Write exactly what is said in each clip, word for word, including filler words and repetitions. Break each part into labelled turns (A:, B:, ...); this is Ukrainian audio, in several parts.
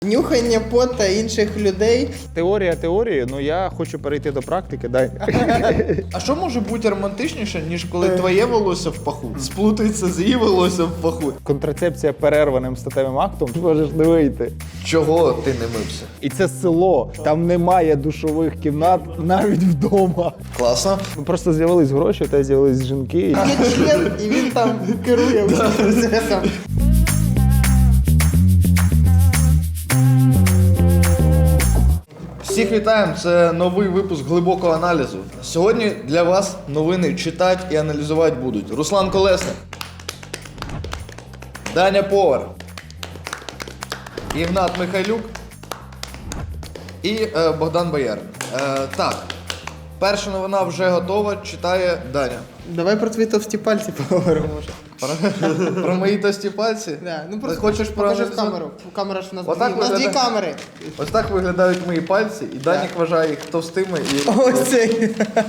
A: Нюхання пота інших людей.
B: Теорія теорії, ну я хочу перейти до практики, дай.
C: А що може бути романтичніше, ніж коли твоє волосся в паху сплутається з її волоссям в паху?
B: Контрацепція перерваним статевим актом, можеш не вийти.
C: Чого ти не мився?
B: І це село, там немає душових кімнат навіть вдома.
C: Класно.
B: Ну, просто з'явились гроші, та з'явились жінки.
A: Є член, і він там керує усім процесом.
C: Всіх вітаємо, це новий випуск глибокого аналізу. Сьогодні для вас новини читати і аналізувати будуть Руслан Колесник, Даня Повар, Ігнат Михайлюк і е, Богдан Боярин. Е, так, перша новина вже готова, читає Даня.
A: Давай про твої товсті пальці поговоримо вже.
C: Про, про мої тості пальці?
A: Да, ну
C: Ти
A: просто
C: хочеш
A: покажи в
C: проаналізувати?
A: камеру. Камера ж у нас,
C: Отак
A: дві, у нас дві
C: виглядає.
A: камери.
C: Ось так виглядають мої пальці, і Данік вважає їх товстими і...
A: Ось цей.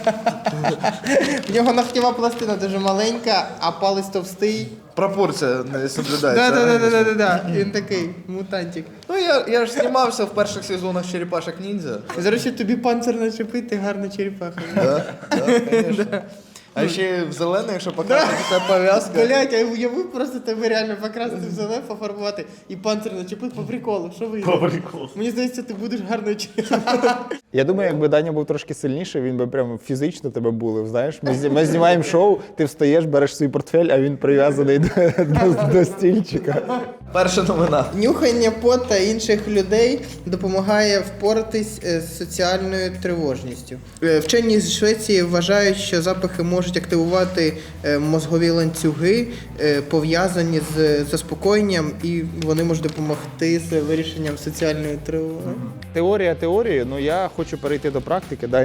A: В нього ногтєва пластина дуже маленька, а палець товстий.
C: Пропорція не соблюдається.
A: Да-да-да-да-да. Він такий мутантик.
C: Ну я, я ж знімався в перших сезонах Черепашок Ніндзя.
A: Зараз ще тобі панцир начепити, гарна черепаха.
C: Да, да, конечно. А ще в зелений, якщо показати, це пов'язка.
A: Блять, я уявив просто тебе реально покрасити в зелене, пофарбувати і панцир начепити по приколу. Що вийде? По приколу. Мені здається, ти будеш гарною черепахою.
B: Я думаю, якби Даня був трошки сильніший, він би прямо фізично тебе булив, знаєш. Ми, зні- ми знімаємо шоу, ти встаєш, береш свій портфель, а він прив'язаний до, до, до стільчика.
C: Перша новина.
A: Нюхання пота інших людей допомагає впоратись е, з соціальною тривожністю. Е, Вчені з Швеції вважають, що запахи можуть активувати е, мозгові ланцюги, е, пов'язані з заспокоєнням, і вони можуть допомогти з вирішенням соціальної тривоги.
B: Теорія теорії, ну я хочу перейти до практики, дай.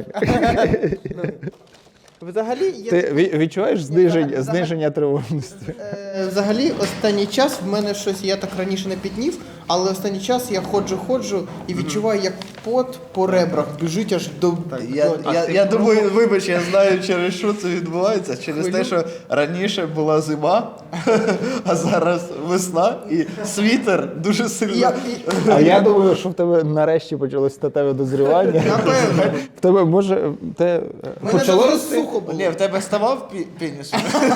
A: Взагалі, є
B: Ти ві- відчуваєш зниження,
A: взагалі-
B: зниження тривожності?
A: Е, Взагалі, останній час в мене щось, я так раніше не піднів, але останній час я ходжу, ходжу і відчуваю, як пот по ребрах біжить аж до...
C: Я,
A: до-
C: я, я думаю, вибач, я знаю, через що це відбувається. Через те, що раніше була зима, а зараз весна, і світер дуже сильно.
A: Я- і-
B: А я думаю, що в тебе нарешті почалось статеве дозрівання.
A: Напевно.
B: В тебе може те
A: Мене
B: почало
A: дуже
B: рости?
A: сухо було.
C: Ні, в тебе ставав пі- пеніс?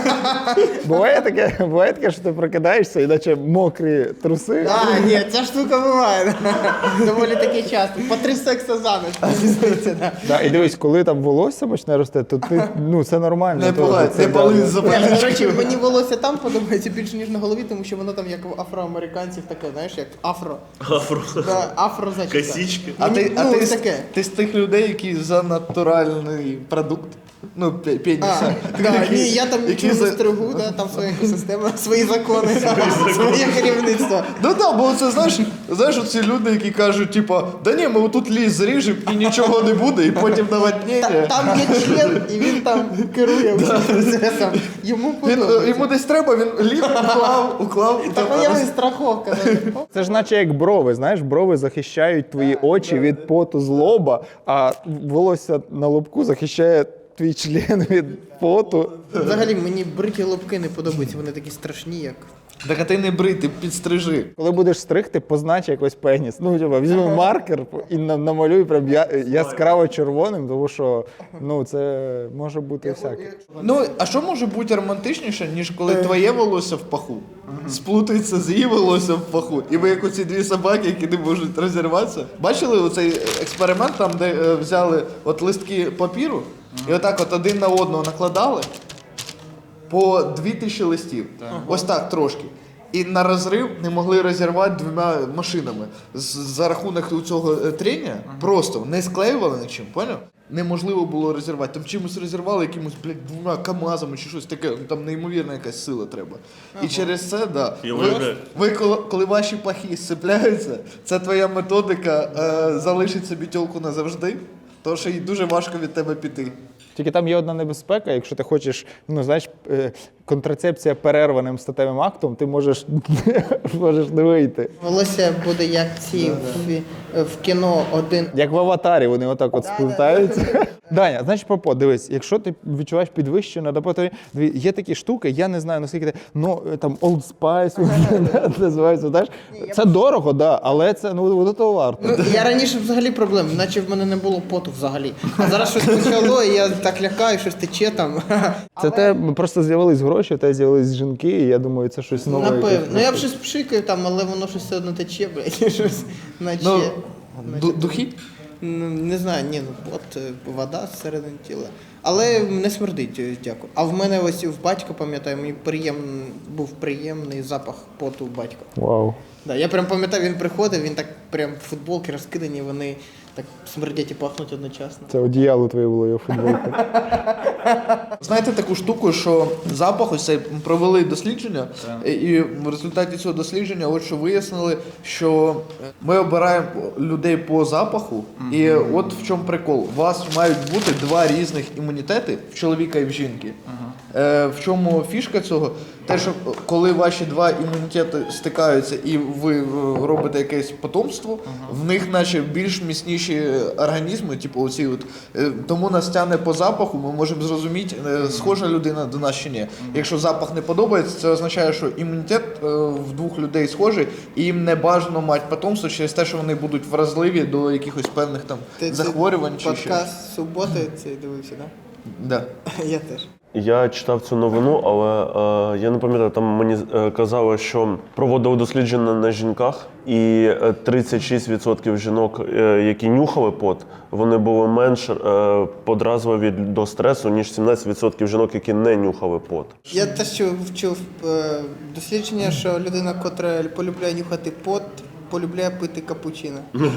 B: Буває таке, буває таке, що ти прокидаєшся, і наче мокрі труси.
A: А, ні, ця штука буває. Доволі таки часто. По три секса за ніч, мені здається, да.
B: Да, і дивись, коли там волосся почне рости, то ти, ну, це нормально.
C: Не
B: то-
C: палай,
B: це,
C: не
B: да,
C: пали
B: да.
C: за
A: Ні, До
C: паличкою.
A: речі, мені волосся там подобається більше, ніж на голові, тому що воно там як у афроамериканців таке, знаєш, як афро.
D: Афро.
A: Да, афро зачіска.
D: Косички.
C: А ти, а
A: ну,
C: ти, з-
A: таке.
C: ти з тих людей, які за натуральний продукт? Ну, пе- пеніса.
A: А, да, ні, я там
C: Які
A: нічого не
C: за-
A: стригу, да, там своя екосистема, свої закони, своє керівництво.
C: Ну так, бо це знаєш, знаєш, оці люди, які кажуть, типа, да ні, ми отут ліс зріжемо і нічого не буде, і потім
A: Та-
C: наводнення.
A: Там є член, і він там керує усім процесом. Йому
C: Він, е,
A: подобається.
C: йому десь треба, він ліг, уклав, уклав. і
A: Та
C: там
A: моя
C: роз-
A: страховка. да.
B: Це ж наче як брови, знаєш, брови захищають твої очі від поту з лоба, а волосся на лобку захищає твій член від поту.
A: Взагалі мені бриті лобки не подобаються, вони такі страшні, як.
C: Так а ти не брий, ти підстрижи.
B: Коли будеш стригти, познач якось пеніс. Ну, типа, візьми маркер і на- намалюй прям я- яскраво червоним, тому що ну, це може бути всяке.
C: Ну, а що може бути романтичніше, ніж коли твоє волосся в паху сплутається з її волоссям в паху, і ви як оці дві собаки, які не можуть розірватися. Бачили оцей експеримент, там, де е, взяли от листки папіру, і отак от один на одного накладали по дві тисячі листів. Ось так трошки. І на розрив не могли розірвати двома машинами. З- За рахунок цього е, трення просто не склеювали нічим, поняв? Неможливо було розірвати. Там чимось розірвали, якимось, блядь, двома КАМАЗами чи щось таке. Ну, там неймовірна якась сила треба. І через це, да.
D: Я
C: Ви,
D: уявляю.
C: ви коли, коли ваші пахи сцепляються, це твоя методика е, залишить собі тілку назавжди, тому що їй дуже важко від тебе піти.
B: Тільки там є одна небезпека, якщо ти хочеш, ну знаєш, е, контрацепція перерваним статевим актом, ти можеш, можеш не вийти.
A: Волосся буде як ці в, в кіно один.
B: Як в аватарі, вони отак от сплутаються. Даня, значить, Попо, дивись, якщо ти відчуваєш підвищення, допотворі, є такі штуки, я не знаю, наскільки ти, ну, там, Old Spice, називається, знаєш, це дорого, да, але це, ну, воно того варто.
A: Ну, я раніше взагалі проблем, наче в мене не було поту взагалі. А зараз щось почало, і я так лякаю, щось тече там.
B: Це те, просто з'явились гроші, те з'явились жінки, і я думаю, це щось нове.
A: Напевно. Ну я б щось пшикаю там, але воно щось все одно тече, блядь, щось наче.
C: Ну,
A: наче-
C: ду- духи?
A: Ну, не знаю, ні, ну от е, вода зсередини тіла. Але не смердить, е, дякую. А в мене ось в батька, пам'ятаю, мені приєм... був приємний запах поту батька.
B: Вау.
A: Да, я прям пам'ятаю, він приходив, він так прям футболки розкидані, вони так смердять і пахнуть одночасно.
B: Це одіяло твоє було, я футболку.
C: Знаєте таку штуку, що запах, ось цей провели дослідження, і в результаті цього дослідження от що вияснили, що ми обираємо людей по запаху, і от в чому прикол. У вас мають бути два різних імунітети в чоловіка і в жінки. Е, в чому фішка цього? Те, що коли ваші два імунітети стикаються і ви е, робите якесь потомство, в них наче більш міцніші організми, типу оці от. Е, тому нас тягне по запаху, ми можемо зрозуміти, е, схожа людина до нас чи ні. Якщо запах не подобається, це означає, що імунітет е, в двох людей схожий, і їм не бажано мати потомство через те, що вони будуть вразливі до якихось певних там
A: Ти
C: захворювань чи ще.
A: подкаст суботи цей дивився, так?
C: Да.
A: Да? Я теж.
D: Я читав цю новину, але е, я не пам'ятаю, там мені е, казали, що проводили дослідження на жінках, і е, тридцять шість відсотків жінок, е, які нюхали пот, вони були менш е, подразливі до стресу, ніж сімнадцять відсотків жінок, які не нюхали пот.
A: Я теж чув, чув е, дослідження, що людина, котра полюбляє нюхати пот, полюбляє пити капучино.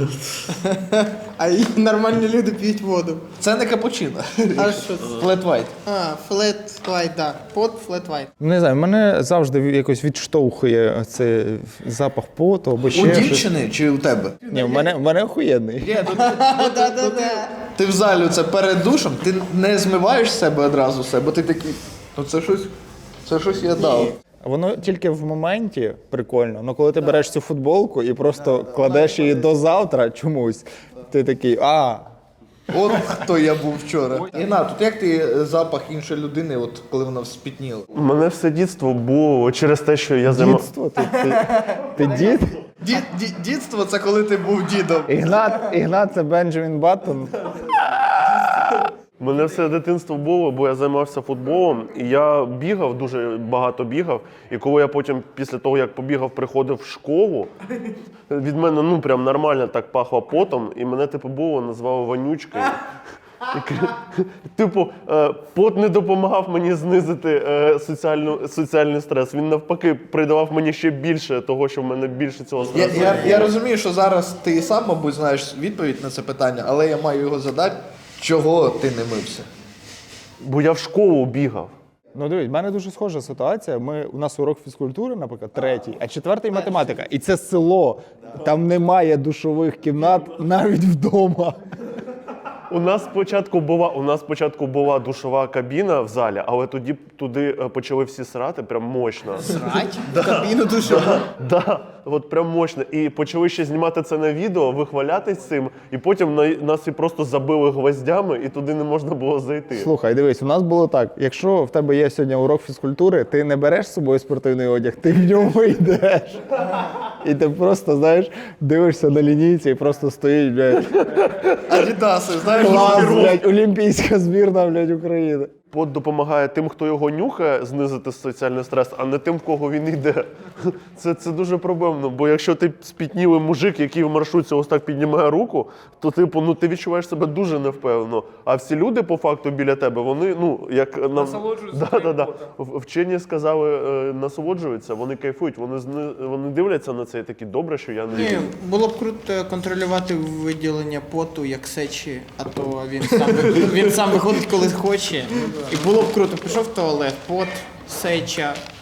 A: А і нормальні люди п'ють воду.
C: Це не капучино.
A: А що це?
C: Flat white.
A: А, флет вайт, так. Пот, флет вайт.
B: Не знаю, мене завжди якось відштовхує цей запах поту або ще
C: У
B: щось.
C: дівчини чи у тебе?
B: Ні, в мене, в мене охуєнний.
C: Ні, ну, ти, ну, ти, ну, ти, ти в залі це перед душем, ти не змиваєш себе одразу все, бо ти такий, ну це щось, це щось я дав.
B: Воно тільки в моменті прикольно, але коли ти береш цю футболку і просто кладеш її до завтра чомусь, ти такий, а,
C: От хто я був вчора. Інна, тут як ти е, запах іншої людини, от коли вона вспітніла?
D: У мене все дітство було через те, що я займав...
B: дідство, ти, ти, ти дід?
C: Дід, дід, дідство це коли ти був дідом.
B: Ігнат, Ігнат це Бенджамін Баттон.
D: У мене все дитинство було, бо я займався футболом, і я бігав, дуже багато бігав. І коли я потім, після того, як побігав, приходив в школу, від мене, ну, прям нормально так пахло потом, і мене, типу, було, назвали вонючкою. І, типу, е, пот не допомагав мені знизити е, соціальну, соціальний стрес. Він, навпаки, придавав мені ще більше того, що в мене більше цього
C: Я,
D: стресу.
C: я, я розумію, що зараз ти сам, мабуть, знаєш відповідь на це питання, але я маю його задати. Чого ти не мився?
D: Бо я в школу бігав.
B: Ну дивись, в мене дуже схожа ситуація. Ми, у нас урок фізкультури, наприклад, третій, а четвертий математика. І це село. Там немає душових кімнат навіть вдома.
D: У нас спочатку була, у нас спочатку була душова кабіна в залі, але тоді туди е, почали всі срати прям мощно.
A: Срать? В кабіну душову.
D: Да, от прям мощно. І почали ще знімати це на відео, вихвалятись цим, і потім на, нас і просто забили гвоздями, і туди не можна було зайти.
B: Слухай, дивись, у нас було так. Якщо в тебе є сьогодні урок фізкультури, ти не береш з собою спортивний одяг, ти в ньому йдеш. І ти просто, знаєш, дивишся на лінійці і просто стоїть, блядь,
C: Адідаси, знаєш,
B: клас, блядь, олімпійська збірна, блядь, України.
D: Пот допомагає тим, хто його нюхає, знизити соціальний стрес, а не тим, в кого він йде. Це, це дуже проблемно, бо якщо ти спітнілий мужик, який в маршрутці ось так піднімає руку, то типу, ну, ти відчуваєш себе дуже невпевнено. А всі люди, по факту, біля тебе, вони, ну, як нам... Насолоджуються. Да, да, да. Вчені сказали, е, насолоджуються, вони кайфують, вони, зни... вони дивляться на це і такі, добре, що я не...
A: Ні, було б круто контролювати виділення поту як сечі, а то він сам, він сам виходить, коли хоче. І було б круто, пішов в туалет, пот, сеча,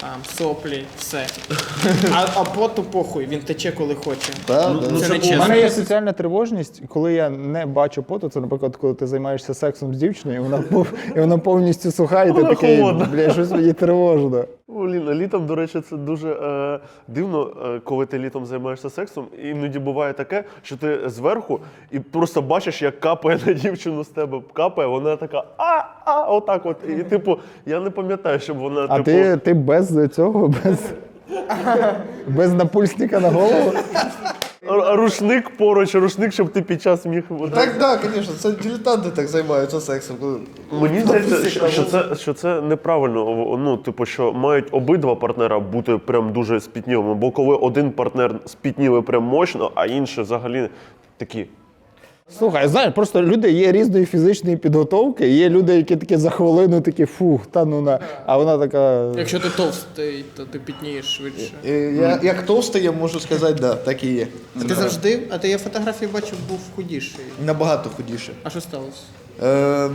A: там, соплі, все. А, а поту похуй, він тече коли хоче.
C: Да,
D: Ну,
C: да.
D: ну,
A: Це
D: це
A: не
D: було-
B: У
A: чесно.
B: мене є соціальна тривожність, коли я не бачу поту. Це, наприклад, коли ти займаєшся сексом з дівчиною, і вона, пов- і вона повністю суха, і ти
D: Вона
B: такий,
D: холодна.
B: бля, щось мені тривожно.
D: Блін, а літом, до речі, це дуже е, дивно, е, коли ти літом займаєшся сексом. Іноді буває таке, що ти зверху і просто бачиш, як капає на дівчину з тебе. Капає, вона така а, а, отак от. І типу, я не пам'ятаю, щоб вона
B: А
D: типу.
B: ти, ти без цього, без, без напульсника на голову?
D: А рушник поруч, рушник, щоб ти під час міг.
C: Так, так, звісно, це дилетанти так займаються сексом. коли-
D: Мені здається, що, що, це, що це неправильно. Ну, типу, що мають обидва партнера бути прям дуже спітнілими. Бо коли один партнер спітнілий прям мощно, а інший взагалі такі.
B: Слухай, знаєш, просто люди є різної фізичної підготовки, є люди, які такі за хвилину такі фух, та ну на. А вона така.
A: Якщо ти товстий, то ти пітнієш швидше.
C: Е, Я, як товстий, я можу сказати, да, так і є.
A: А ти завжди, а ти я фотографії бачив, був худіший.
C: Набагато худіше.
A: А що сталося?
C: Ем,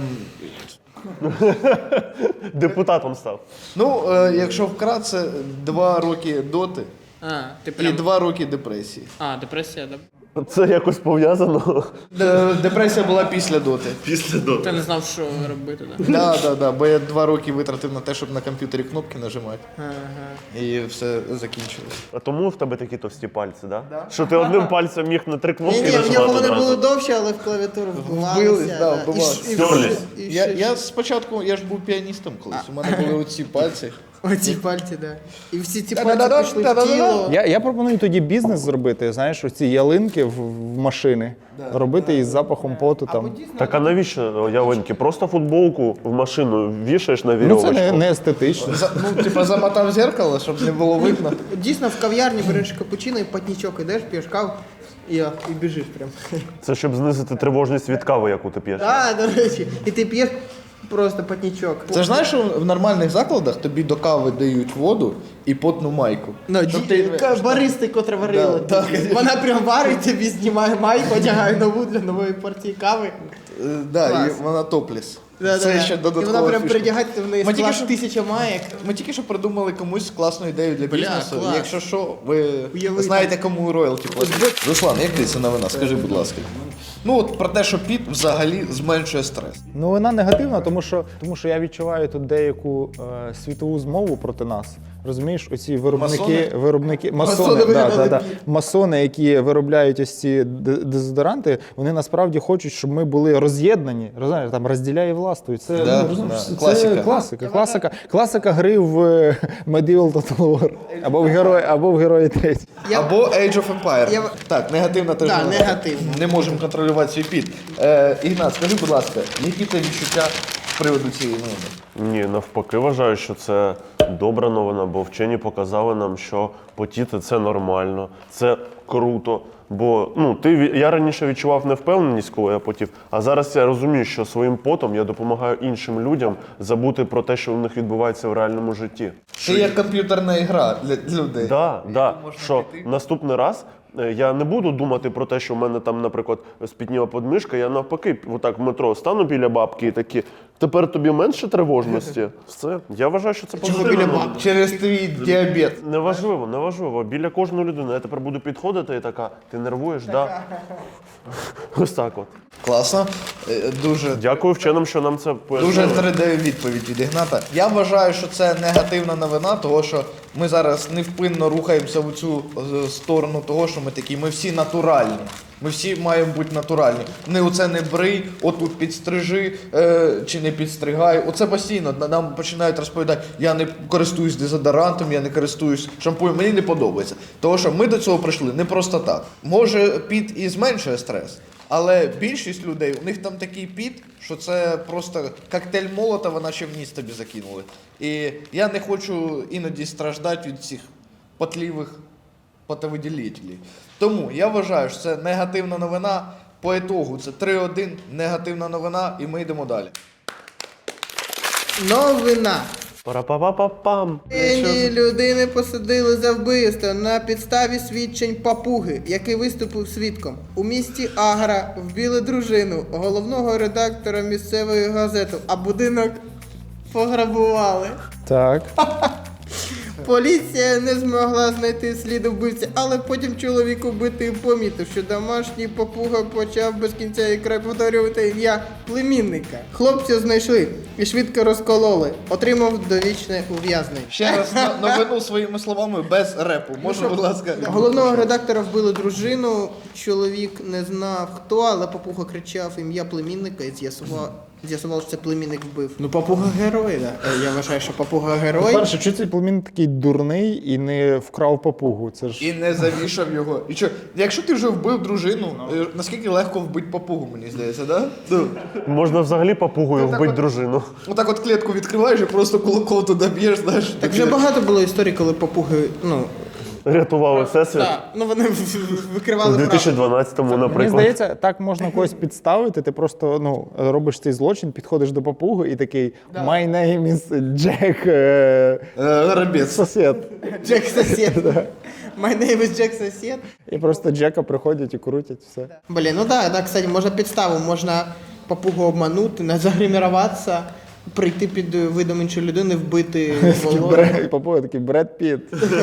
D: Депутатом став.
C: ну, е, якщо вкратце, два роки доти
A: А, ти
C: і
A: прям...
C: два роки депресії.
A: А, депресія, да?
D: Це якось пов'язано.
C: Де- Депресія була після доти.
D: Після до.
A: Ти не знав, що робити, да?
C: Да, да, да, бо я два роки витратив на те, щоб на комп'ютері кнопки нажимати.
A: Ага.
C: І все закінчилось.
D: А тому в тебе такі товсті пальці, да? Що ти одним пальцем міг на три кнопки
A: Ні, ні, в
D: нажимати
A: нього вони
D: одразу.
A: були довші, але в клавіатуру вбивалися.
C: Вбились, да,
A: да.
C: вбивалися.
A: І, ш- і,
D: Стерлись.
A: і, і,
C: Я,
A: ще-
C: я спочатку, я ж був піаністом колись, у мене були оці пальці.
A: Оці пальці, да. І всі ці
C: Та-да-да-да,
A: пальці пішли в
C: та-да-да-да.
A: тіло.
B: Я, я пропоную тоді бізнес зробити, знаєш, оці ялинки в, в машини, робити із запахом поту там.
D: Так а навіщо ялинки? Просто футболку в машину вішаєш на
B: Ну
D: вірьовочку.
B: це не, не естетично.
C: За, ну, типа замотав зеркало, щоб не було видно.
A: Дійсно, в кав'ярні береш капучино і патнічок ідеш, п'єш каву і, і біжиш прям.
D: Це щоб знизити тривожність від кави, яку ти п'єш.
A: Так, до речі. І ти п'єш просто патнічок.
C: Це ж знаєш, що в нормальних закладах тобі до кави дають воду і потну майку.
A: Ну,
C: Щоб
A: ді-
C: ти-
A: ка- баристи, котра варила.
C: Да,
A: тобі.
C: так.
A: Вона прям варить тобі, знімає майку, одягає нову для нової порції кави.
C: Е, Да,
A: Клас.
C: і вона топліс.
A: Да,
C: Це
A: да,
C: ще
A: да.
C: додаткова
A: І вона прям
C: фішка.
A: придягати в неї
C: Ми тільки
A: склад
C: що-
A: тисяча маєк.
C: Ми тільки що придумали комусь класну ідею для
A: Бля,
C: бізнесу.
A: клас.
C: Якщо що, ви
A: Уявити.
C: знаєте, кому роялті платить. Руслан, як ти це новина? Скажи, будь ласка. Ну от про те, що піт взагалі зменшує стрес.
B: Ну вона негативна, тому що, тому що я відчуваю тут деяку е, світову змову проти нас. Розумієш, оці виробники,
C: Масони?
B: виробники, масони,
C: Масони
B: да,
C: вигадали
B: да, да.
C: піт.
B: масони, які виробляють ось ці д- дезодоранти, вони насправді хочуть, щоб ми були роз'єднані. Розумієш, там розділяй і властвуй. Це,
C: Да,
B: ну, розумієш,
C: да.
B: це
C: Класика.
B: класика. Класика, класика гри в е, Medieval Total War. Або в герої, або в герої третій.
A: Я-
C: Або Age of Empire.
A: Я-
C: Так, негативна теж.
A: Да,
C: новина.
A: негативна.
C: Не можемо контролювати свій піт. Е, Ігнат, скажи, будь ласка, які ти відчуття з приводу цієї новини?
D: Ні, навпаки, вважаю, що це добра новина, бо вчені показали нам, що потіти це нормально, це круто. Бо ну, ти, ві- я раніше відчував невпевненість, коли я потів, а зараз я розумію, що своїм потом я допомагаю іншим людям забути про те, що у них відбувається в реальному житті.
C: Це як комп'ютерна гра для для людей.
D: Да, да,
C: можна
D: що
C: піти.
D: наступний раз е, я не буду думати про те, що в мене там, наприклад, спітніла подмишка, я навпаки, отак в метро стану біля бабки і такі, тепер тобі менше тривожності. Все. Я вважаю, що це позитивно.
C: Біля бабки. Через твій діабет.
D: Неважливо, неважливо. Біля кожної людини я тепер буду підходити і така, ти нервуєш, да? Ось так от.
C: Класно. Е, Дуже
D: Дякую вченим, що нам це пояснили.
C: Дуже передаю відповідь від Ігната. Я вважаю, що це негативна новина, того що ми зараз невпинно рухаємося в цю е, сторону того, що ми такі, ми всі натуральні. Ми всі маємо бути натуральні. Не оце не брий, отут підстрижи е, чи не підстригай. Оце постійно на- нам починають розповідати, я не користуюсь дезодорантом, я не користуюсь шампунем, мені не подобається. Тому що ми до цього прийшли не просто так. Може, піт і зменшує стрес. Але більшість людей, у них там такий піт, що це просто коктейль Молотова, наче в ніс тобі закинули. І я не хочу іноді страждати від цих потлівих потовиділителів. Тому я вважаю, що це негативна новина. По ітогу це три один, негативна новина, і ми йдемо далі.
A: Новина.
D: Пара-па-па-па-пам.
A: Нині людини посадили за вбивство на підставі свідчень папуги, який виступив свідком. У місті Агра вбили дружину головного редактора місцевої газети, а будинок пограбували.
B: Так.
A: Поліція не змогла знайти слід вбивця, але потім чоловік убитий помітив, що домашній папуга почав без кінця і край повторювати ім'я племінника. Хлопця знайшли і швидко розкололи. Отримав довічне ув'язнення.
C: Ще раз на- новину своїми словами без репу. Можна, будь ласка.
A: Головного редактора вбили дружину. Чоловік не знав хто, але папуга кричав ім'я племінника і з'ясував, з'ясував, що це племінник вбив. Ну, папуга герой, да. Е, Я вважаю, що папуга герой.
B: Перше, чи цей племінник такий дурний і не вкрав папугу? Це ж
C: І не завішав його. І що, якщо ти вже вбив дружину, е, наскільки легко вбити папугу, мені здається, да? Ну,
D: Можна взагалі папугою
C: Ну, так
D: вбити
C: от-
D: дружину.
C: отак от клітку відкриваєш і просто кулаком туди б'єш, знаєш.
A: Так вже багато було історій, коли папуги, ну,
D: Рятували всесвіт.
A: да, ну вони в- в-
D: У
A: викривали правду.
D: дві тисячі дванадцятому,
B: Мені
D: наприклад.
B: здається, так можна когось підставити. Ти просто ну робиш цей злочин, підходиш до папуги і такий My name is Jack е,
C: Е, Горобець.
B: сосед.
A: Джек сосед. My name is Джек сосед.
B: І просто Джека приходять і крутять все.
A: Блін, ну да, да, кстати, можна підставу, можна папугу обманути, не загриміруватися, прийти під видом іншої людини, вбити волосся.
B: Бре- І папуга такий Бред Піт.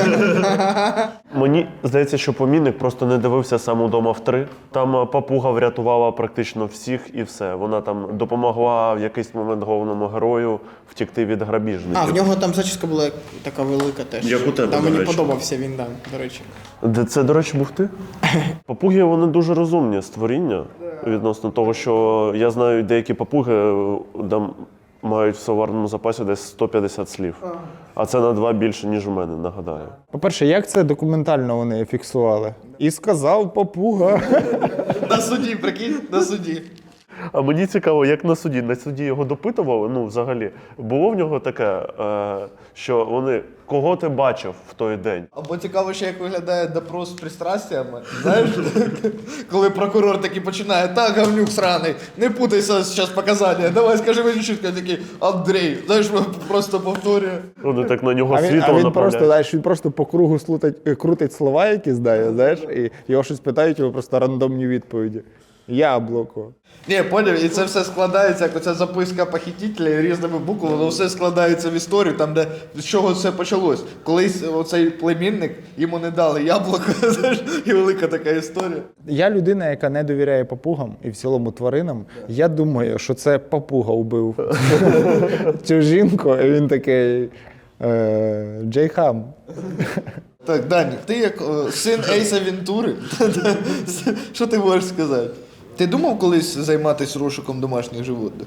D: Мені здається, що помінник просто не дивився сам удома в три. Там е, папуга врятувала практично всіх і все. Вона там допомогла в якийсь момент головному герою втікти від грабіжників.
A: А, в нього там зачіска була така велика теж.
D: Як у тебе,
A: Там
D: до
A: мені
D: речі.
A: подобався він, да, до речі.
D: Де це, до речі, був ти? Папуги, вони дуже розумні створіння відносно того, що я знаю, деякі папуги е, там мають в словарному запасі десь сто п'ятдесят слів. А це на два більше, ніж у мене, нагадаю.
B: По-перше, як це документально вони фіксували? І сказав папуга.
C: На суді, прикинь, на суді.
D: А мені цікаво, як на суді. На суді його допитували, ну, взагалі. Було в нього таке, е, що вони, кого ти бачив в той день?
C: Або цікаво ще, як виглядає допрос з пристрастями. Знаєш, коли прокурор такий починає, так, говнюк сраний, не путайся зараз показання, давай скажи мені чітко, такий, Андрій, знаєш, просто повторює.
D: Вони так на нього
B: А він,
D: світло
B: а він
D: направляють.
B: просто, знаєш, він просто по кругу слутать, е, крутить слова, які знає, знаєш, і його щось питають, його просто рандомні відповіді. Яблуко.
C: Ні, поняв, і це все складається, як оця записка похитителя різними буквами, воно все складається в історію, там, де з чого все почалось. Колись оцей племінник, йому не дали яблуко, знаєш, і велика така історія.
B: Я людина, яка не довіряє папугам і в цілому тваринам. Я думаю, що це папуга убив цю жінку, і він такий е, Джей Хам.
C: Так, Данік, ти як о, син Ейса Вентури, що ти можеш сказати? Ти думав колись займатися розшуком домашніх животних?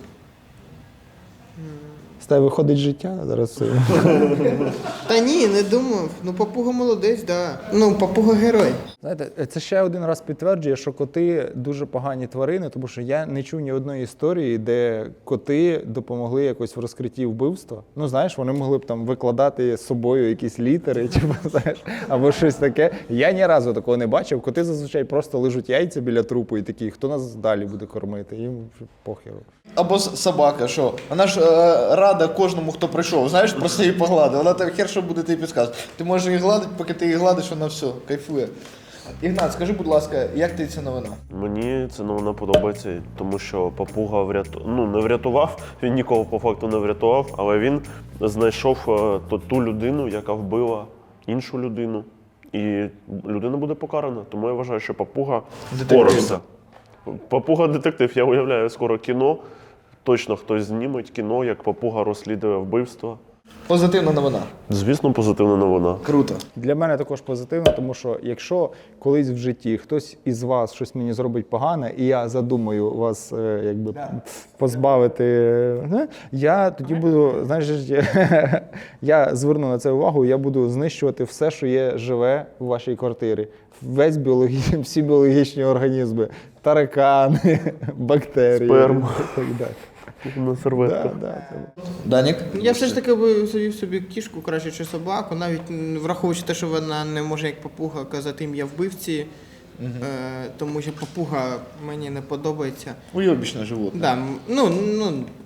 B: З тебе виходить життя зараз. все.
A: Та ні, не думав. Ну, папуга молодець, да. Ну, папуга герой.
B: Знаєте, це ще один раз підтверджує, що коти дуже погані тварини, тому що я не чув ні одної історії, де коти допомогли якось в розкритті вбивства. Ну, знаєш, вони могли б там викладати з собою якісь літери, типу, знаєш, або щось таке. Я ні разу такого не бачив. Коти зазвичай просто лежуть яйця біля трупу і такі, хто нас далі буде кормити? Їм похеру.
C: Або с- собака, що? Вона ж е, рада кожному, хто прийшов, знаєш, просто її погладив. Вона так хер, що буде тобі підказувати. Ти можеш її гладити, поки ти її гладиш, вона все, кайфує. Ігнат, скажи, будь ласка, як ти ця новина?
D: Мені ця новина подобається, тому що папуга вряту... ну, не врятував, він нікого по факту не врятував, але він знайшов е, ту, ту людину, яка вбила іншу людину. І людина буде покарана. Тому я вважаю, що папуга впорався. Папуга детектив, я уявляю, скоро кіно. Точно хтось зніметь кіно, як папуга розслідує вбивство.
C: Позитивна новина.
D: Звісно, позитивна новина.
C: Круто.
B: Для мене також позитивно, тому що якщо колись в житті хтось із вас щось мені зробить погане, і я задумаю вас е, якби позбавити, е, я тоді буду, знаєш, я зверну на це увагу, я буду знищувати все, що є живе в вашій квартирі. Весь біологічний, всі біологічні організми, таракани, бактерії.
D: Сперма.
B: і так далі.
D: На серветках.
B: Да, да, це-
C: Данік?
A: Я все ж таки би завів собі кішку, краще чи собаку, навіть м, враховуючи те, що вона не може як папуга казати ім'я вбивці, е, тому що папуга мені не подобається.
C: Уйобічне животне.
A: Да, м, ну, ну, комусь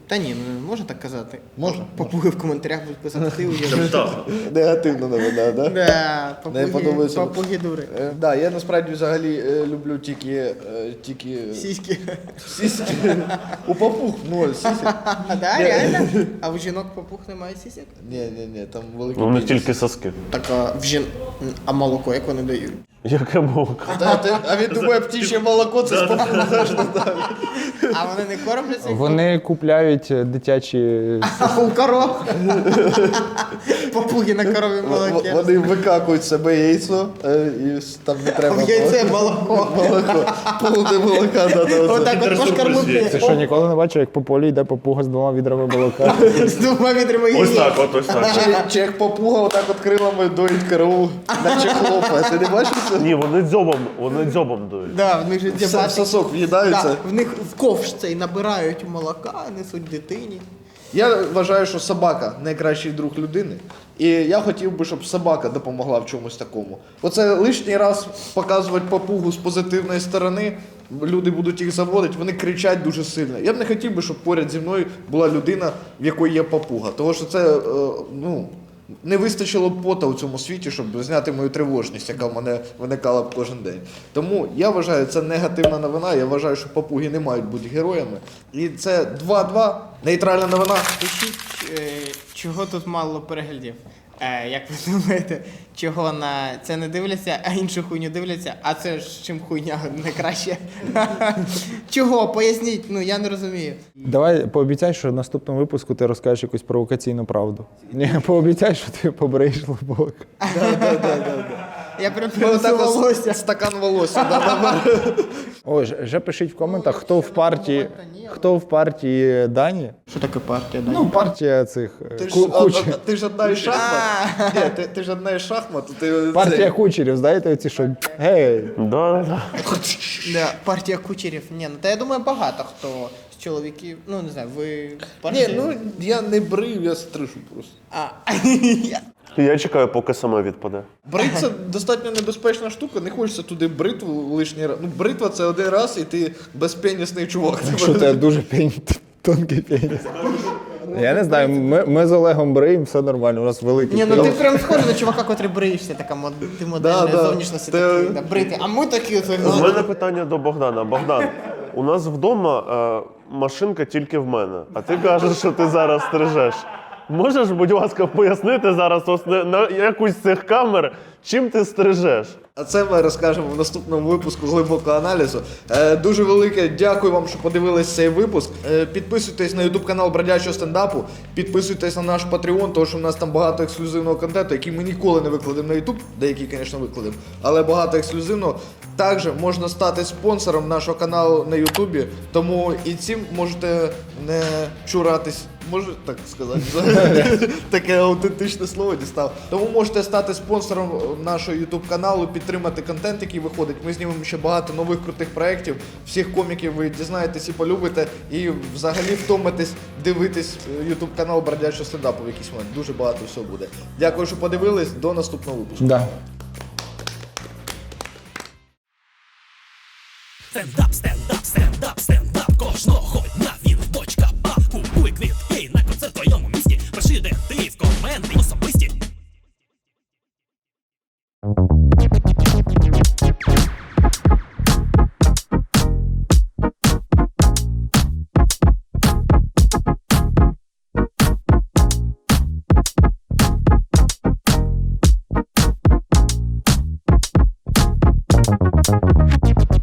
A: Та ні, ну не можна так казати.
C: Можна?
A: Попуги в коментарях будуть писати, ти уявляєш.
C: Негативна новина, да?
A: Да,
C: Не
A: папуги,
C: подобається.
A: папуги дури.
C: Е, да, я насправді взагалі е, люблю тільки, е, тільки
A: Сіськи.
C: сіськи. У папуг ноль сісік.
A: А, да, реально? А у жінок папуг немає сісек?
C: Ні, ні, ні, там великий
D: Ну, у них
C: пеніс.
D: тільки соски.
A: Так, а в жін... А молоко як вони дають?
D: Яке молоко?
C: Та, ти- а він думає, птіче молоко це з папуга.
A: А вони не кормляться?
B: Вони купляють дитячі.
A: А у коров? Папуги на корові молоке.
C: Вони викакують себе яйцо, е, і с- там не треба
A: В яйце молоко.
C: молоко. Повне молока дати.
A: Отак от пошкармити.
B: Ти що, ніколи не бачив, як по полі йде папуга з двома відрами молока?
A: З двома відрами
D: Ось
A: яєць.
D: так, от ось так.
C: Чи, чи як папуга отак от крилами доїть корову, наче хлопає. Ти не бачиш це?
D: Ні, вони дзьобом, вони дзьобом дують.
A: Да, в них же
C: Все-
A: діабетик.
C: Сосок в'їдається.
A: Да, в них в ковш цей набирають молока, несуть дитині.
C: Я вважаю, що собака найкращий друг людини. І я хотів би, щоб собака допомогла в чомусь такому. Оце лишній раз показувати папугу з позитивної сторони. Люди будуть їх заводити, вони кричать дуже сильно. Я б не хотів би, щоб поряд зі мною була людина, в якої є папуга. Тому що це, е, ну, не вистачило б пота у цьому світі, щоб зняти мою тривожність, яка в мене виникала б кожен день. Тому я вважаю, це негативна новина. Я вважаю, що папуги не мають бути героями. І це два-два. Нейтральна новина.
A: Пишіть, е, чого тут мало переглядів. Е, як ви думаєте, чого на це не дивляться, а іншу хуйню дивляться, а це ж чим хуйня не краще? Чого? Поясніть, ну я не розумію.
B: Давай пообіцяй, що в наступному випуску ти розкажеш якусь провокаційну правду. Ні, пообіцяй, що ти побриєш лобок.
A: Я прям
C: Ми
A: принесу
C: отак ось
A: волосся.
C: стакан волосся. да, да, да.
B: Ой, ж- вже пишіть в коментах, хто в партії, хто в партії Дані.
A: Що таке партія? Да?
B: Ну, партія цих е,
C: Ти ж,
B: ку-
C: а,
B: кучер.
C: а, ти ж одна із шахмат. Ні, ти, ти ж одна із шахмат. Ти,
B: Партія
C: це-
B: кучерів, знаєте, оці що гей.
D: Да, да, да.
A: Да, партія кучерів. Ні, ну та я думаю, багато хто з чоловіків. Ну не знаю, ви партія?
C: Ні, ну я не брив, я стришу просто.
A: А,
D: Я чекаю, поки сама відпаде.
C: Бритва достатньо небезпечна штука, не хочеться туди бритву лишній раз. Ну, бритва це один раз, і ти безпенісний чувак.
B: Якщо тебе дуже пень, тонкий пеніс. Я не знаю, ми, ми з Олегом бриємо, все нормально, у нас великий
A: ні, ну ти
B: пеніс.
A: прям схожий на чувака, котрий бриєшся, така мод... ти модельна
C: Да, да.
A: зовнішності
C: Ти-
A: такий, да, брити. А ми такі от,
D: У мене питання до Богдана. Богдан, у нас вдома е, машинка тільки в мене, а ти кажеш, що ти зараз стрижеш. Можеш, будь ласка, пояснити зараз ось на, на якусь з цих камер, чим ти стрижеш?
C: А це ми розкажемо в наступному випуску глибокого аналізу. Е, дуже велике дякую вам, що подивились цей випуск. Е, підписуйтесь на ютуб канал Бродячого стендапу, підписуйтесь на наш Patreon, тому що в нас там багато ексклюзивного контенту, який ми ніколи не викладемо на ютуб, деякий, звісно, викладемо, але багато ексклюзивного. Також можна стати спонсором нашого каналу на ютубі, тому і цим можете не чуратись. Можу так сказати, таке аутентичне слово дістав. Тому можете стати спонсором нашого ютуб каналу, підтримати контент, який виходить. Ми знімемо ще багато нових крутих проєктів. Всіх коміків ви дізнаєтесь і полюбите, і взагалі втомитесь дивитись ютуб канал Бродячого стендапу в якийсь момент. Дуже багато всього буде. Дякую, що подивились. До наступного випуску.
B: Да.
E: Стендап, стендап, стендап, стендап кожного дня він в бочка баб. Купуй квітки на концерт в твоєму місті. Пиши, де ти в коменти особисті.
F: Thank you.